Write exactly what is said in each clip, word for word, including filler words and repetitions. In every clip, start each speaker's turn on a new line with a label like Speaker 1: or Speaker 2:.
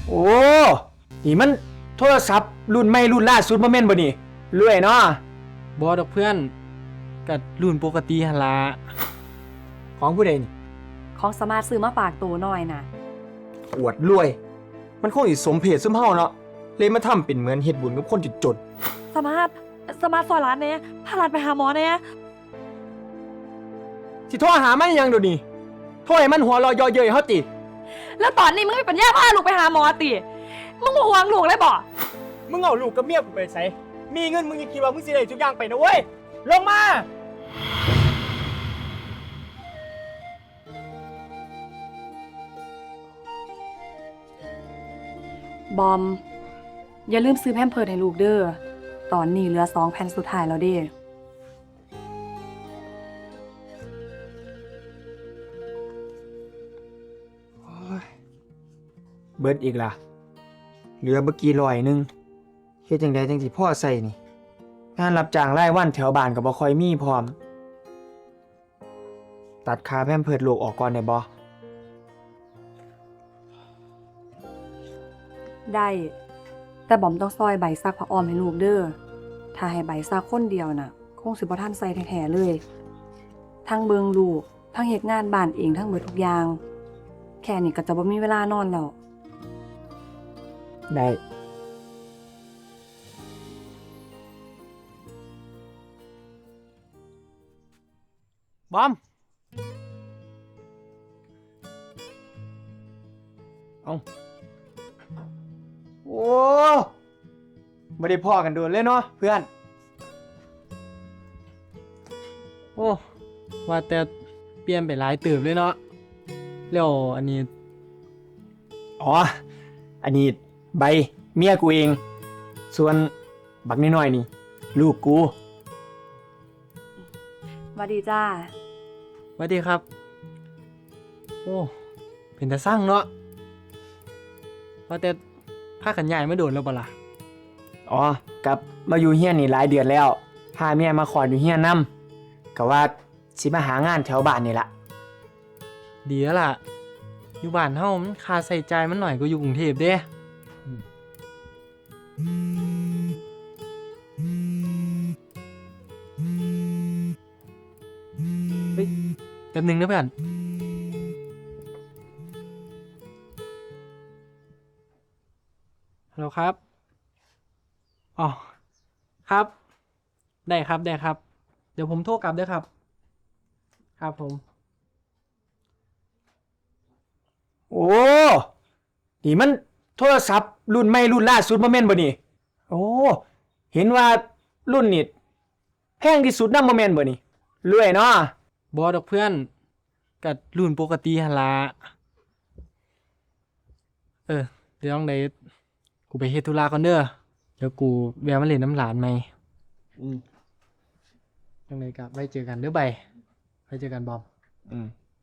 Speaker 1: โอ้นี่มันโทรศัพท์รุ่นใหม่รุ่นล่าสุดบ่แม่นบ่นี่รวยเนาะ
Speaker 2: บ่ดอกเพื่อนก็รุ่นปกติหั่นล่ะ
Speaker 1: ของผู้ใดนี่
Speaker 3: ของสมาร์ทซื้อมาฝากตัวหน่อยนะ
Speaker 1: อวดรวย มันคงสิสมเพศซุมเฮาเนาะเลยมาทำเป็นเหมือนเฮ็ดบุญกับคนจน
Speaker 3: สมาร์ทสมาร์ทซอยร้านเนี่ยพาร้านไปหาหมอเนี่ย
Speaker 1: สิโทรหามันยังเดี๋ยวนี้โทรให้มันหัวเรอยอเย้ยเฮาติ
Speaker 3: แล้วตอนนี้มึงไม่ปัญญาพาลูกไปหาหมอติมึงห่วงลูกเลยบ่
Speaker 1: มึงเอาลูกกับเมียกูไปไสมีเงินมึงยังคิดว่ามึงสิได้ทุกอย่างไปนะเว้ยลงมา
Speaker 3: บอมอย่าลืมซื้อแพมเพิร์สให้ลูกเด้อตอนนี้เหลือสองแผ่นสุดท้ายแล้วเด้
Speaker 1: เบิดอีกล่ะเหลือบ่กี่ร้อยนึงเฮ็ดจังไดจังสิพอใส่นี่งานรับจ้างรายวันแถวบ้านก็บ่ค่อยมีพร้อมตัดค่าแพมเพิร์สลูกออกก่อนได้บ่
Speaker 3: ได้แต่บอมต้องซอยใบซักผ้าอ้อมให้ลูกเด้อถ้าให้ใบซักคนเดียวน่ะคงสิบ่ทันใส่แท้ๆเลยทั้งเบิงลูกทั้งเฮ็ดงานบ้านเองทั้งเบิดทุกอย่างแค่นี้ก็จะบ่มีเวลานอนแล้ว
Speaker 1: ได้บอมเอาโอ้ไม่ได้พ่อกันโดนเลยเนาะเพื่อน
Speaker 2: โอ้ว่าแต่เปลี่ยนไปหลายเติบเลยเนาะแล้วอันนี้
Speaker 1: อ๋ออันนี้ใบเมียกูเองส่วนบักน้อยๆนี่ลูกกู
Speaker 3: สวัสดีจ้า
Speaker 2: สวัสดีครับโอ้เป็นตาสร้างเนาะว่าแต่พากันย้ายมาโดนแล้วบ่ล่ะ
Speaker 1: อ๋อกลับมาอยู่เฮียนนี่หลายเดือนแล้วพาเมียมาขออยู่เฮียนนำก็ว่าสิมาหางานแถวบ้านนี่ล่ะ
Speaker 2: ดีแล้วล่ะอยู่บ้านเฮามันค่าใช้จ่ายมันหน่อยกว่าอยู่กรุงเทพเด้เฮ้ยแป๊บนึงนะเพื่อนฮัลโหลครับอ๋อครับได้ครับได้ครับเดี๋ยวผมโทรกลับด้วยครับครับผม
Speaker 1: โอ้นี่มันโทรศัพท์รุ่นใหม่รุ่นล่าสุดบ่แม่นบ่นี่โอ้เห็นว่ารุ่นนี้แพงที่สุดนำบ่แม่นบ่นี่รวยเนาะ
Speaker 2: บ่ดอกเพื่อนก็รุ่นปกติหั่นล่ะเออเดี๋ยวต้องได้กูไปเฮ็ดธุระก่อนเด้อเดี๋ยวกูแวะมาเล่นน้ำหลานใหม่อืมจังได๋ก็ไว้เจอกันเด้อใบไว้เจอกันบอมอืม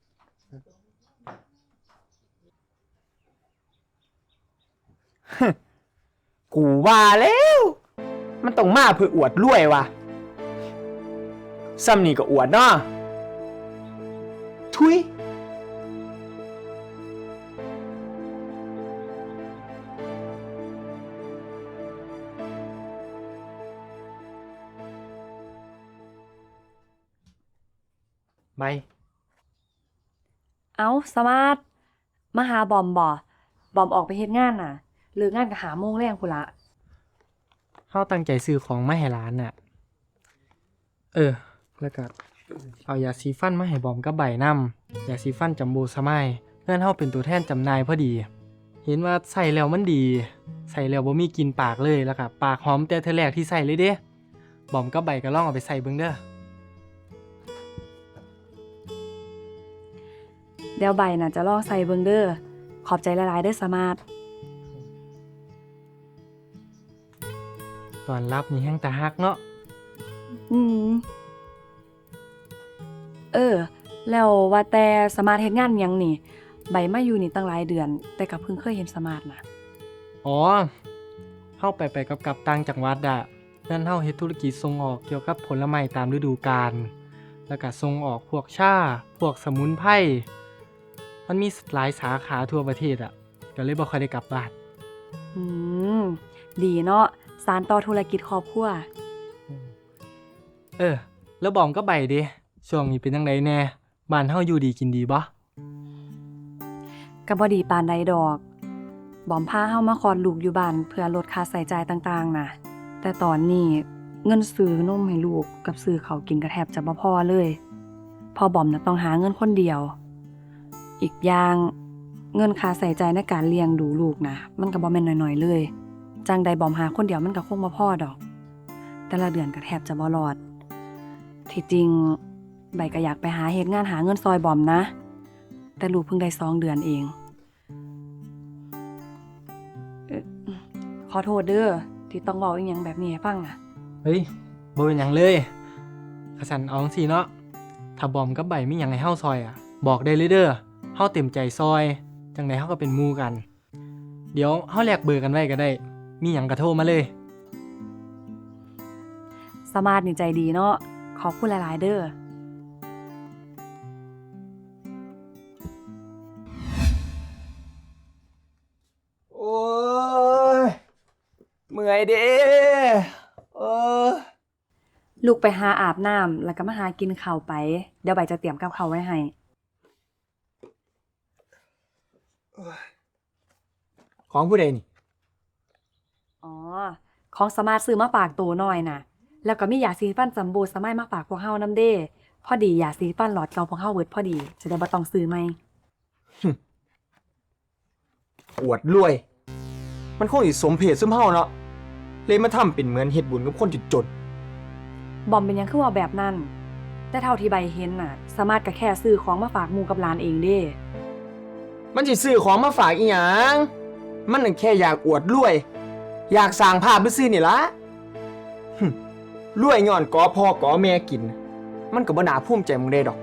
Speaker 1: กูว่าแล้วมันต้องมาเพื่ออวดรวยว่ะซ้ำนี่ก็อวดเนาะทุย
Speaker 2: ใบ
Speaker 3: เอ้าสมาร์ทมาหาบอมบ่บอมออกไปเฮ็ดงานน่ะเลิกงานก็หาโมงแรงพุ่นละ
Speaker 2: เฮาตั้งใจซื้อของมาให้ร้านน่ะเออแล้วก็เอายาสีฟันมาให้บอมกับใบนำยาสีฟันจัมโบ้สมายเพื่อนเฮาเป็นตัวแทนจำหน่ายพอดีเห็นว่าใส่แล้วมันดีใส่แล้วบ่มีกลิ่นปากเลยแล้วก็ปากหอมแต่เทื่อแรกที่ใส่เลยเด้บอมกับใบก็ลองเอาไปใส่เบิ่งเด้อ
Speaker 3: เดี๋ยวใบน่ะจะลองใส่เบิ่งเด้อขอบใจหลายๆเด้อสมาร์ท
Speaker 2: ตอนรับนี่แฮงตาฮักเนาะ
Speaker 3: อืมเออแล้วว่าแต่สมาร์ทเฮ็ดงานหยังนี่ใบมาอยู่นี่ตั้งหลายเดือนแต่ก็เพิ่งเคยเห็นสมาร์ทนะ
Speaker 2: อ๋อเฮาไปไปกับกับต่างจังหวัดอ่ะนั่นเฮาเฮ็ดธุรกิจส่งออกเกี่ยวกับผลไม้ตามฤดูกาลแล้วก็ส่งออกพวกชาพวกสมุนไพรมันมีหลายสาขาทั่วประเทศอ่ะก็เลยบ่ค่อยได้กลับบ้าน
Speaker 3: อืม ดีเนาะสานต่อธุรกิจครอบครัว
Speaker 2: เออ แล้วบอมก็ใบเด้ช่วงนี้เป็นจังไดแน่บ้านเฮาอยู่ดีกินดีบ่
Speaker 3: ก็บ่ดีปานใดดอก บอมพาเฮามาคลอดลูกอยู่บ้านเพื่อลดค่าใช้จ่ายต่างๆน่ะ แต่ตอนนี้เงินซื้อนมให้ลูกกับซื้อข้าวกินก็แทบจะบ่พอเลยพอบอมน่ะต้องหาเงินคนเดียว อีกอย่างเงินค่าใช้จ่ายในการเลี้ยงดูลูกนะมันก็บ่แม่นน้อยๆเลย จังใดบอมหาคนเดียวมันก็คงบ่พอดอก แต่ละเดือนก็แทบจะบ่รอด ที่จริงใบก็อยากไปหาเฮ็ดงานหาเงินซอยบอมนะ แต่ลูกเพิ่งได้สองเดือนเองเอ่อขอโทษเด้อที่ต้องเว้าอีหยังแบบนี้ให้ฟังน่ะ
Speaker 2: เฮ้ยบ่เป็นหยังเลยกะสันเอาจังซี่เนาะถ้าบอมกับใบมีหยังให้เฮาซอยอ่ะ บอกได้เลยเด้อเฮาเต็มใจซอย จังไดเฮาก็เป็นหมู่กัน เดี๋ยวเฮาแลกเบอร์กันไว้ก็ได้ มีหยังก็โทรมาเลย
Speaker 3: สมาร์ทนี่ใจดีเนาะขอบคุณหลายๆเด้อ
Speaker 1: โอ้ยเมื่อยเด้เออ
Speaker 3: ลูกไปหาอาบน้ำแล้วก็มาหากินข้าวไป เดี๋ยวใบจะเตรียมกับข้าวไว้ให้
Speaker 1: ของผู้ใดนี่
Speaker 3: อ๋อ ของสมาร์ทซื้อมาฝากตัวหน่อยน่ะ แล้วก็มียาสีฟันจัมโบ้สมัยมาฝากพวกเฮานำเด้ พอดียาสีฟันหลอดเก่าพวกเฮาเบิดพอดี จะได้บ่ต้องซื้อใหม่
Speaker 1: อวดรวย มันคงสิสมเพศซุมเฮาเนาะเลยมาทำเป็นเหมือนเฮ็ดบุญกับคนจน
Speaker 3: บอมเป็นหยังคือว่าแบบนั้น แต่เท่าที่ใบเห็นน่ะ สามารถก็แค่ซื้อของมาฝากหมู่กับหลานเองเด้
Speaker 1: ๆมันสิซื้อของมาฝากอีหยังมันน่ะแค่อยากอวดรวย อยากสร้างภาพซื่อๆนี่ล่ะหึรวยย้อนกอพ่อกอแม่กิน มันก็บ่น่าภูมิใจมึงได้ดอก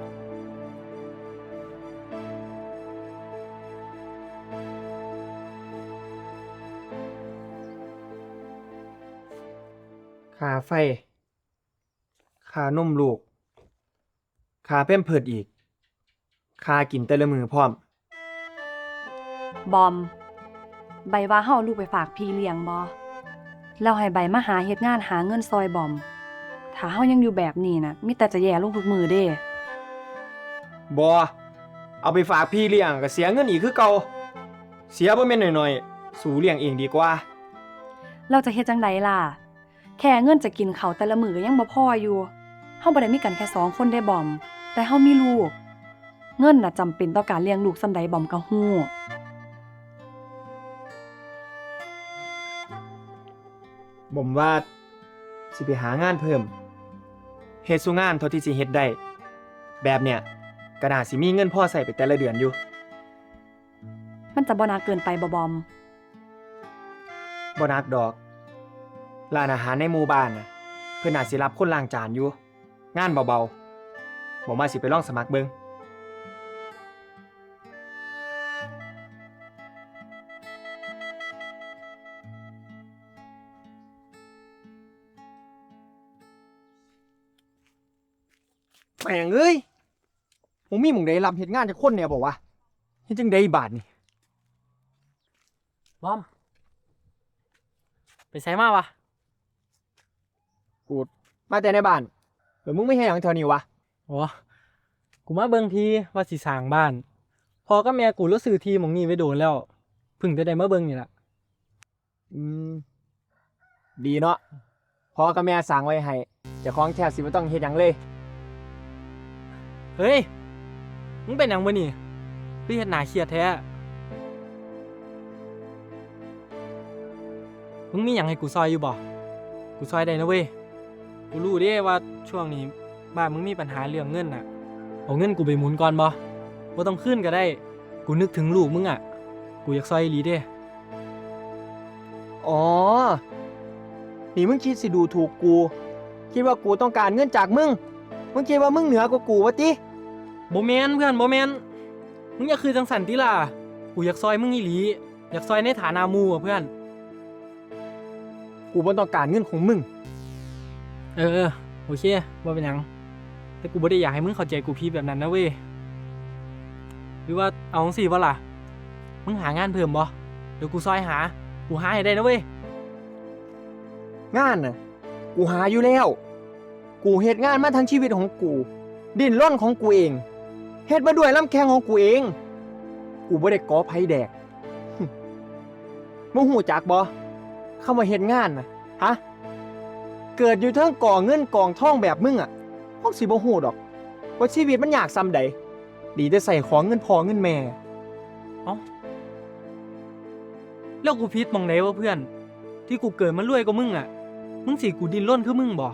Speaker 1: ค่าไฟ ค่านมลูก ค่าแพมเพิร์สอีก ค่ากินแต่ละมื้อพร้อม
Speaker 3: บอม ใบว่าเฮาเอาลูกไปฝากพี่เลี้ยงบ่แล้วให้ใบมาหาเฮ็ดงานหาเงินซอยบอม ถ้าเฮายังอยู่แบบนี้น่ะมีแต่จะแย่ลงทุกมื้อเด้
Speaker 1: บ่เอาไปฝากพี่เลี้ยงก็เสียเงินอีกคือเก่า เสียบ่แม่นน้อยๆ สู่เลี้ยงเองดีกว่า
Speaker 3: เราจะเฮ็ดจังไดล่ะ แค่เงินจะกินข้าวแต่ละมื้อก็ยังบ่พออยู่ เฮาบ่ได้มีกันแค่สองคนได้บอม แต่เฮามีลูก เงินน่ะจำเป็นต่อการเลี้ยงลูกส่ำใดบอมก็ฮู้
Speaker 1: ผมว่าสิไปหางานเพิ่มเฮ็ดสู่งานเท่าที่สิเฮ็ดได้ แบบเนี้ยก็น่าสิมีเงินพอใช้ไปแต่ละเดือนอยู่
Speaker 3: มันจะบ่น่าเกินไปบ่บอม
Speaker 1: บ่นักดอก ร้านอาหารในหมู่บ้านน่ะเพิ่นน่าสิรับคนล้างจานอยู่ งานเบาๆผมว่าสิไปลองสมัครเบิ่ง แม่งเอ้ยผมมีหมุ่งใดรับเฮ็ดงานจากคนเนี่ยบอกว่าเฮ็ดจังไดบาดนี่
Speaker 2: บอม ไปไสมาวะ
Speaker 1: กูมาแต่ในบ้านแล้วมึงไม่เฮ็ดหยังแถวนี้วะ
Speaker 2: อ๋อ กูมาเบิ่งทีว่าสิสร้างบ้าน พอกับแม่กูรู้ซื้อที่หม้องนี้ไว้โดนแล้วเพิ่งจะได้มาเบิ่งนี่ล่ะ
Speaker 1: อืมดีเนาะพ่อกับแม่สั่งไว้ให้เจ้าของแทบสิบ่ต้องเฮ็ดหยังเลย
Speaker 2: เฮ้ย มึงเป็นหยังบ่นี่คือเฮ็ดหน้าเครียดแท้ มึงมีหยังให้กูซอยอยู่บ่ กูซอยได้นะเว้ย กูรู้เด้ว่าช่วงนี้บ้านมึงมีปัญหาเรื่องเงินน่ะ เอาเงินกูไปหมุนก่อนบ่บ่ต้องคืนก็ได้ กูนึกถึงลูกมึงอ่ะ กูอยากซอยอีหลีเด้
Speaker 1: อ๋อนี่มึงคิดสิดูถูกกู คิดว่ากูต้องการเงินจากมึงมึงคิดว่ามึงเหนือกว่ากูวะติ
Speaker 2: บ่แม่นเพื่อนบ่แม่นมึงอย่าคือจังสันติล่ะ กูอยากซอยมึงอีหลี อยากซอยในฐานะหมู่อ่ะเพื่อน
Speaker 1: กูบ่ต้องการเงินของมึง
Speaker 2: เออเออโอเคบ่เป็นหยัง แต่กูบ่ได้อยากให้มึงเข้าใจกูผิดแบบนั้นนะเว้ย หรือว่าเอาจังซี่บ่ล่ะ มึงหางานเพิ่มบ่ เดี๋ยวกูซอยหากูหาให้ได้นะเว้ย
Speaker 1: งานน่ะกูหาอยู่แล้ว กูเฮ็ดงานมาทั้งชีวิตของกู ดิ้นรนของกูเองเฮ็ดมาด้วยลำแข้งของกูเอง กูบ่ได้ก่อไผแดก มึงหูจักบ่คำว่าเฮ็ดงานน่ะฮะเกิดอยู่เทั้งก่อเงินกองทองแบบมึงอ่ะพวกสิบ่ฮู้ดอกว่าชีวิตมันยากซำใดดีแต่ใส่ของเงินพ่อเงินแม่
Speaker 2: แล้วกูผิดหมองไหนวะเพื่อน ที่กูเกิดมารวยกว่ามึงอ่ะ มึงสิกูดิ้นรนคือมึงบ่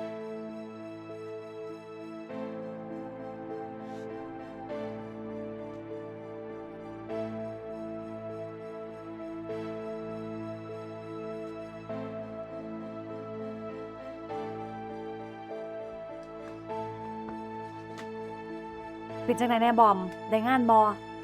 Speaker 3: เป็นจังไดแน่บอม ได้งานบอ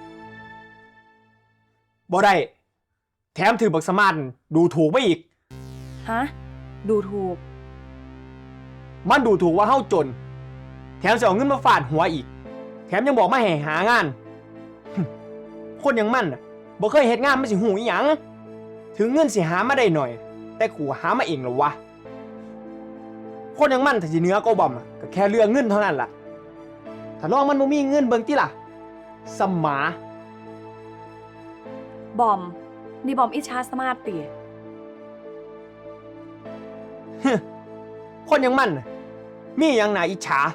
Speaker 1: บ่ได้แถมถือบักสมานดูถูกไปอีก
Speaker 3: ฮะ ดูถูก
Speaker 1: มันดูถูกว่าเฮาจน แถมจะเอาเงินมาฟาดหัวอีก แถมยังบอกมาให้หางาน คนอย่างมันน่ะบ่เคยเฮ็ดงานมันสิหูอีหยัง ถึงเงินสิหามาได้หน่อย แต่กูหามาเองเหรอวะ คนอย่างมันถ้าสิเหนือกว่าบอมอะก็แค่เรื่องเงินเท่านั้นล่ะ ถ้าลองมันบ่มีเงินเบิ่งติล่ะสำหมา
Speaker 3: บอม นี่บอมอิจฉาสมาร์ตติ
Speaker 1: คนอย่างมันน่ะมีหยังน่าอิจฉา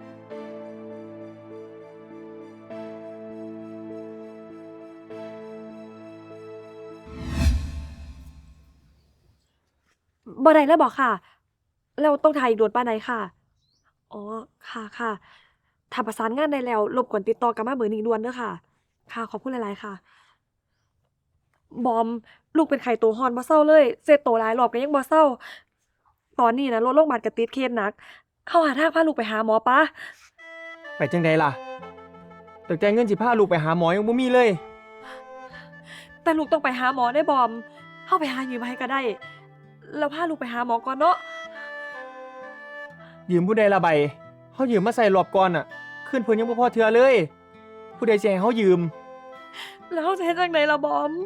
Speaker 4: บ่ได้แล้วบอกค่ะ แล้วต้องถ่ายอีกโดนป้านใดค่ะ อ๋อ ค่ะค่ะถ้าประสานงานได้แล้ว รบกวนติดต่อกลับมาเบอร์นี้ด่วนเด้อค่ะ ค่ะ ขอบคุณหลายๆค่ะ บอม ลูกเป็นไข้ตัวร้อนบ่เซาเลย เสร็จโตหลายรอบก็ยังบ่เซา ตอนนี้นะรถโรงบาลก็ติดเคสหนักเฮาหาทางพาลูกไปหาหมอปะ
Speaker 1: ไปจังใดล่ะตั้งแต่เงินสิพาลูกไปหาหมอยังบ่มีเลย
Speaker 4: แต่ลูกต้องไปหาหมอได้บอมเฮาไปหายืมให้ก็ได้ แล้วพาลูกไปหาหมอก่อนเนาะ
Speaker 1: ยืมผู้ใดละใบเฮายืมมาใส่รอบก่อนอ่ะ ขึ้นเพิ่นยังบ่พอเทื่อเลย ผู้ใดสิให้เฮายืม
Speaker 4: แล้วเฮาจะเฮ็ดจังไดล่ะบอม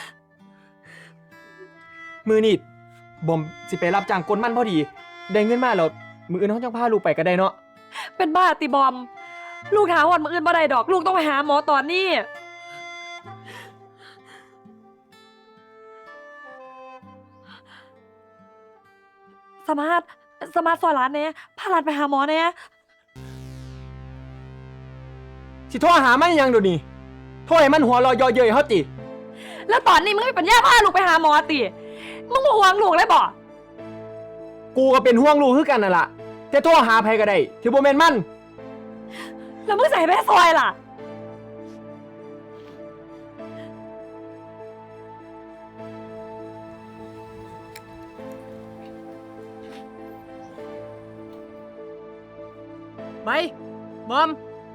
Speaker 1: มือนี่บอมสิไปรับจ้างกลมันพอดี ได้เงินมาแล้วมืออื่นเฮาจังพาลูกไปก็ได้เนาะ
Speaker 4: เป็นบ้าติบอม ลูกหาวันมื้ออื่นบ่ได้ดอก ลูกต้องไปหาหมอตอนนี้ สมาร์ทสมาร์ทซอยร้านแหน่พาหลานไปหาหมอแหน่
Speaker 1: สิโทรหามันยังเดี๋ยวนี้โทรให้มันหัวเรอยอเย้ยเฮาติ
Speaker 4: แล้วตอนนี้มึงไม่ปัญญาพาลูกไปหาหมอติ มึงบ่ห่วงลูกเลยบ่
Speaker 1: กูก็เป็นห่วงลูกคือกันนั่นล่ะแต่โทรหาไผก็ได้ที่บ่แม่นมัน
Speaker 4: แล้วมึงใส่ไปซอยล่ะ
Speaker 2: ไป บอม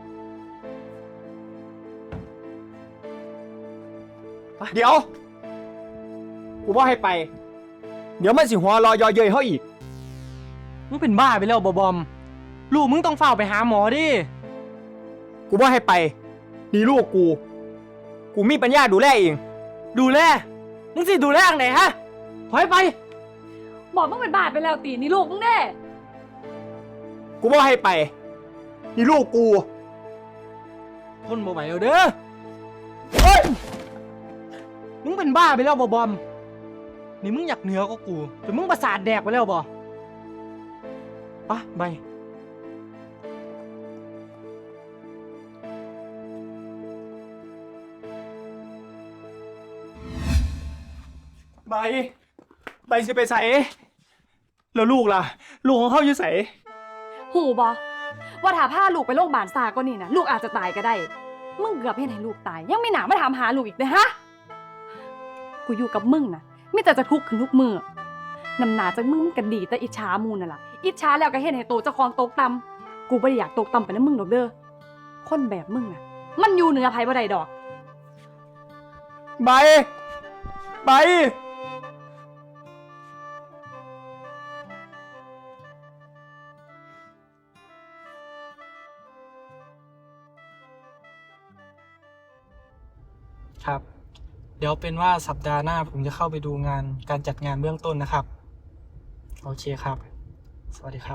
Speaker 1: เดี๋ยว กูบ่ให้ไป เดี๋ยวมันสิหัวเรอยอเย้ยเฮาอีก
Speaker 2: มึงเป็นบ้าไปแล้วบ่บอม ลูกมึงต้องเฝ้าไปหาหมอดิ
Speaker 1: กูบ่ให้ไปนี่ลูกกู กูมีปัญญาดูแลเอง
Speaker 2: ดูแล มึงสิดูแลอังไหนฮะ ถอยไป
Speaker 4: บอกมึงเป็นบาดไปแล้วตีนี่ลูกมึงแน่
Speaker 1: กูบ่ให้ไปนี่ลูกกู
Speaker 2: คนบ่ไหวแล้วเด้อเฮ้ย มึงเป็นบ้าไปแล้วบ่บอม นี่มึงอยากเหนือกว่ากูแต่มึงประสาทแดกไปแล้วบ่ปะไป
Speaker 1: ใบ ใบสิไปใส่แล้วลูกล่ะ ลูกของเขาอยู่ใส่
Speaker 3: หูบอว่าถ้าพาลูกไปโรงพยาบาลซาก็นี่นะลูกอาจจะตายก็ได้ มึงเกือบเห็นให้ลูกตาย ยังไม่หนามาถามหาลูกอีกเลยฮะ กูอยู่กับมึงนะมิแต่จะทุกข์ขึ้นทุกมือนำหนาจากมึงมันก็ดีแต่อิจฉามูนน่ะล่ะอิจฉาแล้วก็เห็นให้โตเจ้าของตกต่ำกูไม่ได้อยากตกต่ำไปนะมึงดอกเด้อคนแบบมึงน่ะ มันอยู่เหนือภัยบ่ได้ดอก
Speaker 1: ใบ ใบ
Speaker 2: ครับเดี๋ยวเป็นว่าสัปดาห์หน้าผมจะเข้าไปดูงานการจัดงานเบื้องต้นนะครับ โอเคครับ สวัสดีครับ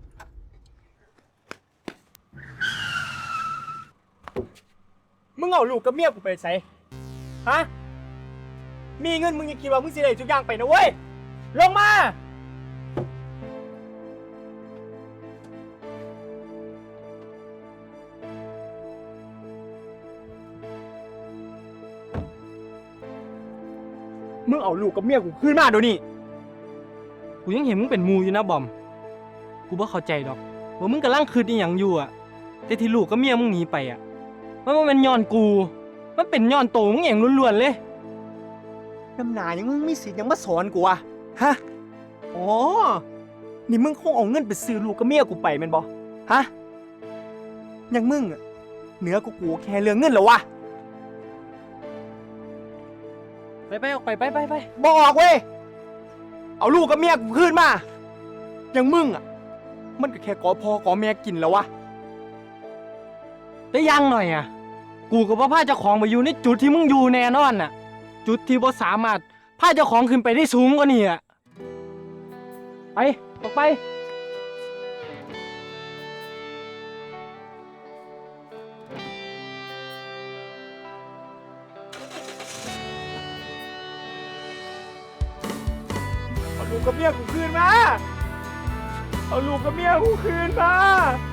Speaker 1: มึงเอาลูกกับเมียกูไปใส่ฮะ มีเงินมึงยังคิดว่ามึงสิได้ทุกอย่างไปนะเว้ย ลงมา มึงเอาลูกกับเมียกูคืนมาเดี๋ยวนี้
Speaker 2: กูยังเห็นมึงเป็นหมูอยู่นะบอม กูบ่เข้าใจดอกว่ามึงกำลังคืดอีหยังอยู่อะแต่ที่ลูกกับเมียมึงหนีไปอะมันบ่แมันย้อนกู มันเป็นย้อนโตมึงเองล้วนๆเลย
Speaker 1: น้ำหนายังมึงมีสิทธิ์ยังมาสอนกูอะฮะ อ๋อ นี่มึงคงเอาเงินไปซื้อลูกกับเมียกูไปแม่นบ่ฮะอยังมึงอะเหนือกูกูแค่เรื่องเงินเหรอวะ
Speaker 2: ไปไปออกไปไปไปไป
Speaker 1: บอกเว้ย เอาลูกกับเมียกูคืนมาอยังมึงอะมันก็แค่กอพอกอแม่กินแล้ววะ
Speaker 2: ได้ยังหน่อยอะกูกับพ่อพาเจ้าของไปอยู่ในจุดที่มึงอยู่แน่นอนน่ะ จุดที่บ่สามารถพาเจ้าของขึ้นไปได้สูงกว่านี้อะไปออกไป
Speaker 1: เอาลูกกับเมียกูคืนมา เอาลูกกับเมียกูคืนมา